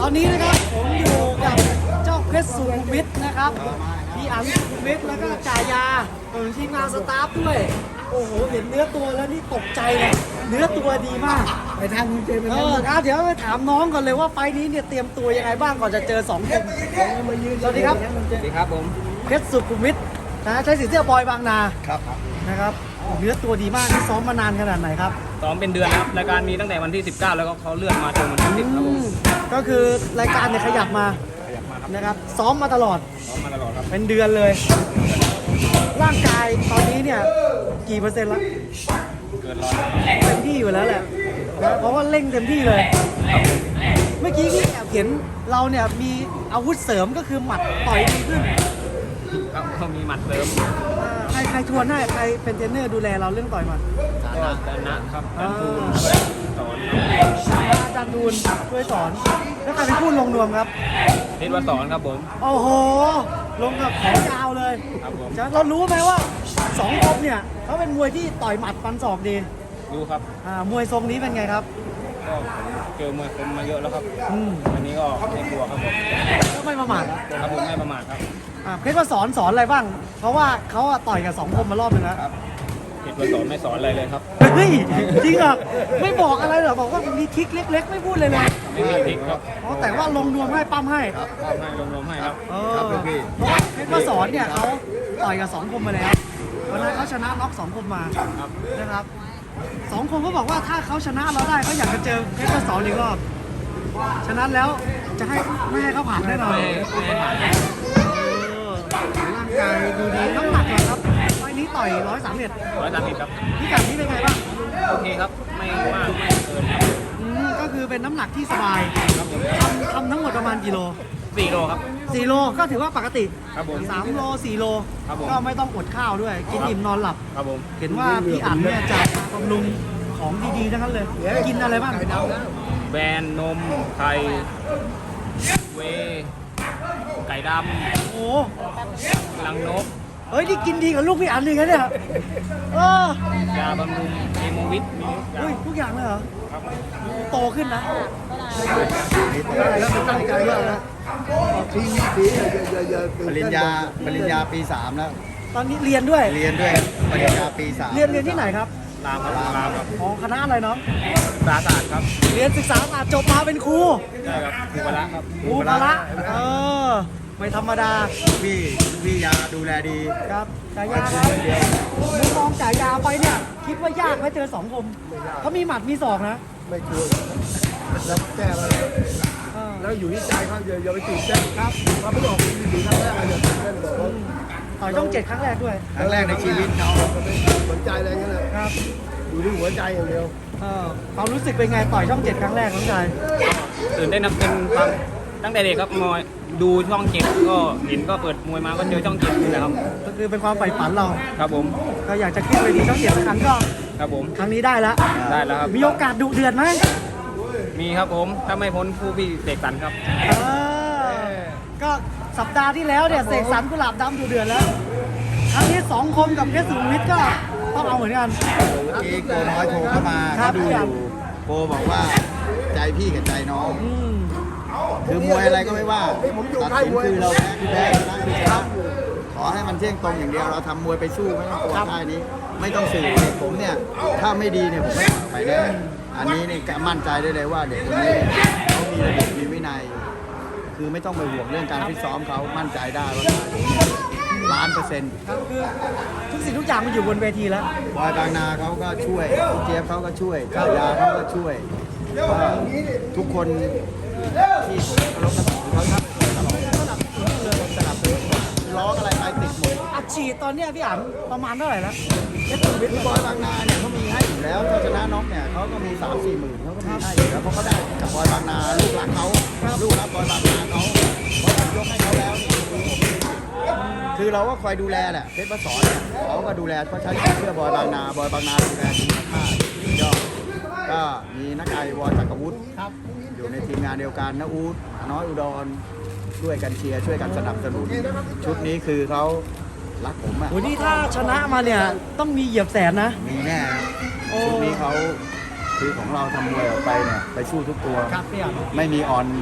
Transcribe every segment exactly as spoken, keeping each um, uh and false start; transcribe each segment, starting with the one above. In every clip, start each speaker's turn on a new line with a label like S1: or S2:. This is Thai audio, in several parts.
S1: อนนี้นะครับผมอยู่กับเจ้าเพชรสุขุมวิทนะครับพี่อันสุขุมวิทแล้วก็จ่ายาของทีมงานสตาฟด้วยโอ้โหเห็นเนื้อตัวแล้วนี่ตกใจเลยเนื้อตัวดีมากไปทางคุณเจมส์เออครับเดี๋ยวไปถามน้องก่อนเลยว่าไฟนี้เนี่ยเตรียมตัวยังไงบ้างก่อนจะเจอสองคนสวัสดีครับ
S2: สวัสดีครับผม
S1: เพชรสุขุมวิทนะใช้สีเสื้อบอยบางนา
S2: ครับ
S1: นะครับเนื้อตัวดีมากที่ซ้อมมานานขนาดไหนครับ
S2: ซ้อมเป็นเดือนครับรายการมีตั้งแต่วันที่สิบเก้าแล้วก็เขาเลื่อนมาจนวันที่สิบครับผม
S1: ก็คือรายการเนี่ยขยับมา
S2: ขยับมาครับ
S1: นะครับซ้อมมาตลอด
S2: ซ้อมมาตลอดครับ
S1: เป็นเดือนเลย ร่างกายตอนนี้เนี่ยกี่เปอร์เซ็นต์ละ
S2: เกินร้อย
S1: เต็มที่อยู่แล้วแหละนะเพราะว่าเร่งเต็มที่เลย เมื่อกี้ที่แอบเห็นเราเนี่ยมีอาวุธเสริมก็คือหมัดต่อยดีขึ้น
S2: ครับเขามีหมัดเสริม
S1: อ่าใครใครทวนให้ใครเป็นเทรนเนอร์ดูแลเราเรื่องต่อยหมัด
S2: ก็ดานะครับดันทูนสอน
S1: อาจารย์ดูนช่วยสอนแล้วใครเป็นผู้ลงนวมครับ
S2: เทศวสอนครับผม
S1: โอ้โหลงกับของยาวเลย
S2: ครับผม
S1: เรารู้ไหมว่าสองคมเนี่ยเขาเป็นมวยที่ต่อยหมัดฟันศอกดี
S2: ดูครับ
S1: อ่ามวยทรงนี้เป็นไงครับ
S2: ก็เจอมวยคมมาเยอะแล้วครับ
S1: อืม
S2: อันนี้ก็ไม่กลัวครับผม
S1: ก็ไม่ประมาท
S2: ครับผมไม่ประมาทครับ
S1: อ่าเพชรว่าสอนสอนอะไรบ้าง เพราะว่าเขาอะต่อยกับสองคมมารอบนึงแล้ว
S2: ครับเทศวสอนไม่สอนอะไรเลยครับ
S1: เฮ้ยจริงเหรอไม่บอกอะไรเหรอบอกว่ามีทริคเล็ก ๆ ไม่พูดเลยเลย
S2: ไม่มีพลิกครับ
S1: อ๋อแต่ว่าลงนวมให้ปั้มให้
S2: ครับมอบให้รวมๆให้ครับ
S1: เออเพราะว่าเพชรว่าสอนเนี่ยเขาต่อยกับสองคมมาแล้ววันนั้นเขาชนะน็อกสองคมมา
S2: ครับ
S1: นะครับสองคนเขาบอกว่าถ้าเขาชนะเราได้เขาอยากจะเจอเพชรว่าสอนอีกรอบฉะนั้นแล้วจะให้ไม่ให้เขาผ่านแน่นอน
S2: ไม่ไม่ผ่าน
S1: เออร่างกายดูดีน้ำหนักเหรอครับไฟล์นี้ต่อยร้อยสามเอ็ด
S2: ร้อยสามสิบครับ
S1: พิกัดนี้เป็นไงบ้าง
S2: โอเคครับไม่มากไม่เกินครับ
S1: อืมก็คือเป็นน้ำหนักที่สบาย
S2: ครับผม
S1: ทำทำทั้งหมดประมาณกี่โล
S2: สี่โลครับ
S1: สี่โลก็ถือว่าปกติ
S2: ครับผม
S1: สามโลสี่โล
S2: ครับผม
S1: ก็ไม่ต้องอดข้าวด้วย กินอิ่มนอนหลับ
S2: ครับผม
S1: เห็นว่าพี่อั๋นเนี่ยจะบำรุงของดีๆทั้งนั้นเลย กินอะไรบ้าง
S2: แบรนด์นมไทยเวย์ไก่ด
S1: โอ้
S2: ำลังนก
S1: เฮ้ยนี่กินดีกับลูกพี่อั๋นเลยนะเนี่ยเออย
S2: าบำรุงเอโมวิทมีทุกอย่าง
S1: อุ้ยทุกอย่างเลยเหรอ
S2: ครับ
S1: โตขึ้นนะ
S3: แล้วมันตั้งใจว่านะทิ้งสีอย่าอย่า
S4: ปริญญาปริญญาปีสามแล้ว
S1: ตอนนี้เรียนด้วย
S4: เรียนด้วยปริญญาปีสาม
S1: เรียนเรียนที่ไหนครับ
S2: ลามครับลามครับ
S1: ของคณะอะไรเนาะ
S2: สาศาสตร์ครับ
S1: เรียนศึกษาศาสตร์จบมาเป็นครู
S2: ใช่ครับครูพละครับ
S1: ครูพละเออ ไม่ธรรมดา
S4: พี่พี่ยาดูแลดี
S1: ครับจ่ายาครับมุมมองจ่ายาไปเนี่ย คิดว่ายากไหมเจอสองคมเขามีหมัดมีศอกนะ
S3: ไม่กลัวแล้วแก้มา
S1: เออ
S3: แล้วอยู่ที่ใจเขาอย่าอย่าไปตื่นเต้นครับเราไม่ออกมีถึงครั้งแรกอย่าตื่นเต้นบอกเขา
S1: ต่อยช่องเจ็ดครั้งแรกด้วย
S4: ครั้งแรกในชีวิตเขา
S3: สนใจอะไรเงี้ยนะครับ อยู่ที่หัวใจอย่างเดียว
S1: เออความรู้สึกเป็นไงต่อยช่องเจ็ดครั้งแรกน้องชาย
S2: ตื่นเต้นนะเป็นความตั้งแต่เด็กครับมวยดูช่องเจ็ดก็เห็นก็เปิดมวยมาก็เจอช่องเจ็ดนี่แหละครับ
S1: ก็คือเป็นความใฝ่ฝันเรา
S2: ครับผม
S1: ก็อยากจะขึ้นเวทีช่องเจ็ดสักครั้งก็
S2: ครับผม
S1: ครั้งนี้ได้แล้ว
S2: ได้แล้วครับ
S1: มีโอกาสดุเดือดไหม
S2: มีครับผมถ้าไม่พ้นผู้พี่เสกสรรครับ
S1: เออก็สัปดาห์ที่แล้วเนี่ยเสกสรรกุหลาบดำดุเดือดแล้ว ครั้งนี้สองคมกับเพชรสุขุมวิทก็ต้องเอาเหมือนกัน
S4: เมื่อกี้โกน้อยโทรเข้ามา
S1: ครั
S4: เขา
S1: บ
S4: ดูอยู่โกบอกว่าใจพี่กับใจน้อง
S1: อืม
S4: คือมวยอะไรก็ไม่ว่าตัดสินคือเราแพ้คือแพ้ชนะคือชนะขอให้มันเที่ยงตรงอย่างเดียวเราทำมวยไปสู้ไม่ต้องกลัวท่านี้ ไม่ต้องสื่อผมเนี่ยถ้าไม่ดีเนี่ยผมไม่ไปแน่อันนี้นี่มั่นใจได้เลยว่าเด็กคนนี้เขามีระเบียบมีวินัย คือไม่ต้องไปห่วงเรื่องการฟิตซ้อมเขามั่นใจได้ว่าล้านเปอร์เซ็นต์
S1: ครับคือทุกสิ่งทุกอย่างมันอยู่บนเวทีแล้ว
S4: บอยบางนาเขาก็ช่วยพี่เจี๊ยบเขาก็ช่วยกายาเขาก็ช่วยว่าทุกคนที่ผมเคารพนับถือเขาทำตลอดสนับสนุนเลยสนับสนุนร้องอะไรไปติดหมด
S1: อัดฉีดตอนเนี้ยพี่อั๋นประมาณเท่าไหร่แล้วเพชรสุขุมวิท
S4: คือบอยบางนาเนี่ยเขามีให้อยู่แล้วถ้าชนะน็อกเนี่ยเขาก็มีสามสี่หมื่นเขาก็มีให้อยู่แล้วเพราะเขาได้กับบอยบางนาลูกหลักเขาลูกรับบอยบางนาเขาเพราะผมยกให้เขาแล้วนี่คือเราก็คอยดูแลแหละเพชรประสอนเนี่ยเขาก็ดูแลเขาใช้เพื่อบอยบางนาบอยบางนาดูแลทีมมากยอดก็มีนักไอวอจักรวุฒิ
S1: ครับ
S4: อยู่ในทีมงานเดียวกันนะอูดน้อยอุดรช่วยกันเชียร์ช่วยกันสนับสนุนชุดนี้คือเขารักผมอ่ะ
S1: โหนี่ถ้าชนะมาเนี่ยต้องมีเหยียบแสนนะ
S4: มีแน่นะ
S1: โอ้
S4: ชุดนี้เขาคือของเราทำมวยออกไปเนี่ยไปสู้ทุกตัว
S1: ครับพี่อั๋น
S4: ไม่มีออน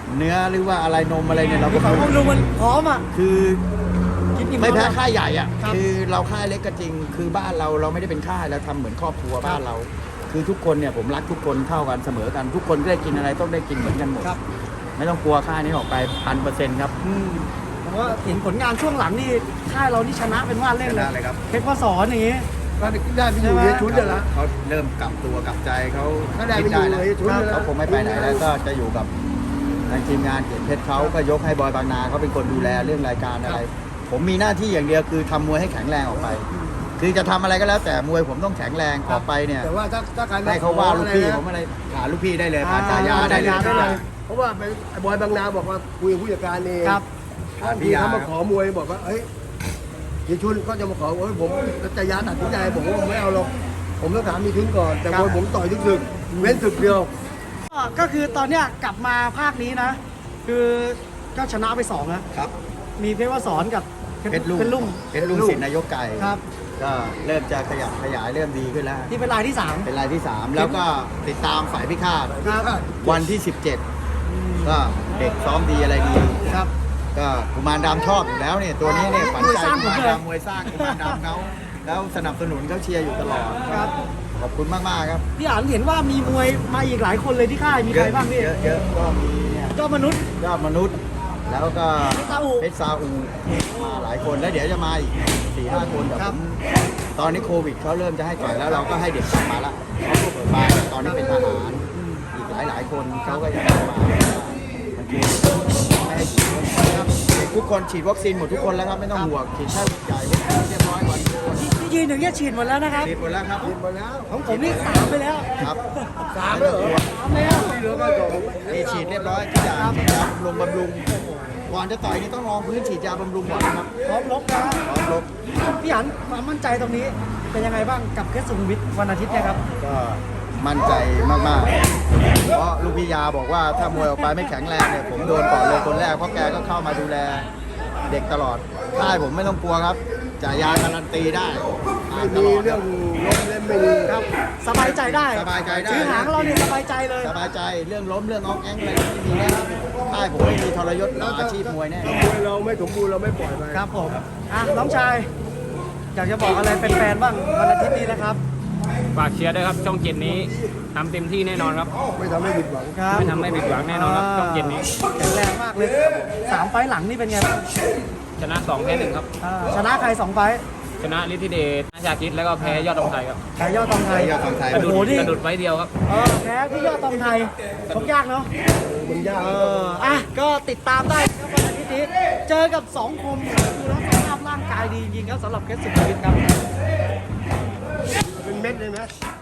S4: เนื้อหรือว่าอะไรนมอะไรเนี่ยเราก็
S1: ฝั่งพวกดูมันพร้อมอ่ะ
S4: คือ
S1: กินอิ่ม
S4: ไม่แพ้
S1: ท้อง
S4: ค่ายใหญ่อ่ะ
S1: ครับ
S4: คือเราค่ายเล็กก็จริง คือบ้านเราเราไม่ได้เป็นค่ายเราทำเหมือนครอบครัวบ้านเรา คือทุกคนเนี่ยผมรักทุกคนเท่ากันเสมอกัน ทุกคนได้กินอะไรต้องได้กินเหมือนกันหมด
S1: ครับ
S4: ไม่ต้องกลัวค่ายนี้ออกไปพันเปอร์เซ็นต์ครับ
S1: อืมผมว่าเห็นผลงานช่วงหลังนี่ค่ายเรานี่ชนะเป็นว่าเล่น
S4: ช
S1: เล
S4: นะ
S1: ย
S4: เลยครับ
S1: เพชรพ่อสอนอย่างงี้
S3: ก็ได้ไปอยู่เฮียชุนเดี๋ยวละ
S4: เขาเริ่มกลับตัวกลับใจเขา
S3: ก็ได้ไป
S4: คิด
S3: อยู่
S4: แล้ว
S3: เฮียชุนเดี๋ยวละ
S4: เขาคงไม่ไปไหนแล้วก็จะอยู่กับทางทีมงานเกียรติเพชรเขาก็ยกให้บอยบางนาเขาเป็นคนดูแลเรื่องรายการอะไร ผมมีหน้าที่อย่างเดียวคือทำมวยให้แข็งแรงออกไป คือจะทำอะไรก็แล้วแต่มวยผมต้องแข็งแรงออกไปเนี่ย
S3: แต่ว่าถ้าถ้าการ
S4: ให้เขาว่าลูกพี่
S3: อะไรนะ
S4: ผมอะไรหาลูกพี่ได้เลยผ่านจ่ายาได้เลย
S1: จ่ายาได้เลย
S3: เพราะว่าไปไอ้บอยบางนาบอกว่าคุยกับผู้จัดการเอง
S1: ครับ
S3: บางทีเขามาขอมวยบอกว่าเอ้ยเฮียชุนก็จะมาขอเอ้ยผมจะยาตัดสินใจบอกว่าผมไม่เอาหรอกผมต้องถามมีชุนก่อนแต่มวยผมต่อยทุกศึกเว้นศึกเดียว
S1: ก็ก็คือตอนเนี้ยกลับมาภาคนี้นะ คือก็ชนะไปสองนะครับ มีเพชรพ่อสอนกับ
S4: เพชรลุง
S1: เพชรลุง
S4: เพชรลุงสินนายกไก่
S1: ครับ
S4: ก็เริ่มจะขยับขยายเริ่มดีขึ้นแล้ว
S1: ที่เป็นรายที่สาม
S4: เป็นรายที่สามแล้วก็ติดตามฝ่ายพิฆาต
S1: ครับ
S4: วันที่สิบเจ็ดก็เด็กซ้อมดีอะไรดี
S1: ครับ
S4: ก็กุมารดำชอบอยู่แล้วเนี่ยตัวนี้เนี่ยฝัน
S1: มวย
S4: ใจ
S1: สร้าง
S4: กุ
S1: ผม
S4: มาร
S1: เลย
S4: ดำมวยสร้างกุมารดำเขาแล้วสนับสนุนเขาเชียร์อยู่ตลอด
S1: ครับ
S4: ขอบคุณมากมากๆครับ
S1: พี่อันเห็นว่ามีมวยมาอีกหลายคนเลยที่ค่ายมีใครบ้างพี่
S4: เยอะเยอะก็มีเนี่ย
S1: ยอดมนุษย์
S4: ยอดมนุษย์ แล้วก็
S1: ซาอุ
S4: เพชรซาอูมาหลายคนแล้วเดี๋ยวจะมาอีกสี่ห้าคนแต่
S1: ค
S4: ผ
S1: รับ
S4: มตอนนี้โควิดเขาเริ่มจะให้ต่อยแล้วเราก็ให้เด็กกลับมาละเขาก็เปิดบานตอนนี้เป็นทหารอีกหลายหลายๆคนเขาก็อยากจะมามันคือไม่ให้ฉีดครับเด็กทุกคนฉีดวัคซีนหมดทุกคนแล้วครับไม่ต้องห่วงฉีดไข้หวัดใหญ่วัคซีนเรียบร้อยก่อนทุกคน
S1: ที่ยืนอย่างเงี้ยฉีดหมดแล้วนะครับ
S4: ฉีดหมดแล้วครับ
S3: หมดแล้ว
S1: ของผมนี่สามไปแล้ว
S4: ครับ
S3: สามแล้วเหรอ
S1: สามแล้ว
S3: ที่เหลือก็สอง
S4: นี่ฉีดเรียบร้อยทุกอย่างฉีดยาบำรุงบำรุงก่อนจะต่อยนี่ต้องรองพื้นฉีดยาบำรุงก่อนนะครับ
S1: พร้อมลบนะ
S4: พร้อมลบ
S1: พี่อันความมั่นใจตรงนี้เป็นยังไงบ้างกับเพชรสุขุมวิทวันอาทิตย์เนี่ยครับ
S4: ก็มั่นใจมากๆ เพราะลูกพี่ยาบอกว่าถ้ามวยออกไปไม่แข็งแรงเนี่ยผมโดนก่อนเลยคนแรกเพราะแกก็เข้ามาดูแลเด็กตลอดค่ายผมไม่ต้องกลัวครับจ่ายยาการันตีได้
S3: ไม่
S4: ต
S3: มี
S4: ลอด
S3: เรื่องล้มเล่นไม่มี
S1: ครับ สบายใจได้
S4: สบายใจได้
S1: ชื่อหางเราเนี่ยสบายใจเลย
S4: สบายใจเรื่องล้มเรื่องอ้องแองอะไรไม่มีแน่ค่ายผมไม่มีทรยศต่ออาชีพมวยแน่
S3: ถ้ามวยเราไม่สมบูรณ์เราไม่ปล่อยไป
S1: ครับผม อ่ะ น้องชาย อยากจะบอกอะไรเป็นแฟนๆบ้างวันอาทิตย์นี้นะครับ
S2: ฝากเชียร์ด้วยครับช่องเจ็ดนี้ทำเต็มที่แน่นอนครับ
S3: ไม่ทำให้ผิดหวัง
S1: ครับ
S2: ไม่ทำให้ผิดหวังแน่นอนครับช่องเจ็ดนี้
S1: แข็งแรงมากเลยสามไฟล์หลังนี่เป็นไงบ้าง
S2: ชนะสองแพ้หนึ่งครับ
S1: อ่าชนะใครสองไฟล์
S2: ชนะฤทธิเดชนาชาคิดแล้วก็แพ้ยอดตองไทยครับ
S1: แพ้ยอดตองไทย
S4: ยอดตองไทย
S2: กระดุด
S1: โอ้โหนี่
S2: กระดุดไว้เดียวครับ
S1: เออแพ้พี่ยอดตองไทยชกยากเนาะ
S3: มันยาก
S1: เออ อ่ะ ก็ติดตามได้ครับวันอาทิตย์นี้ เจอกับสองคมดูแล้วสภาพร่างกายดีจริงๆครับสำหรับเพชรสุขุมวิทครับ
S3: เป็นเม็ดเลยไหม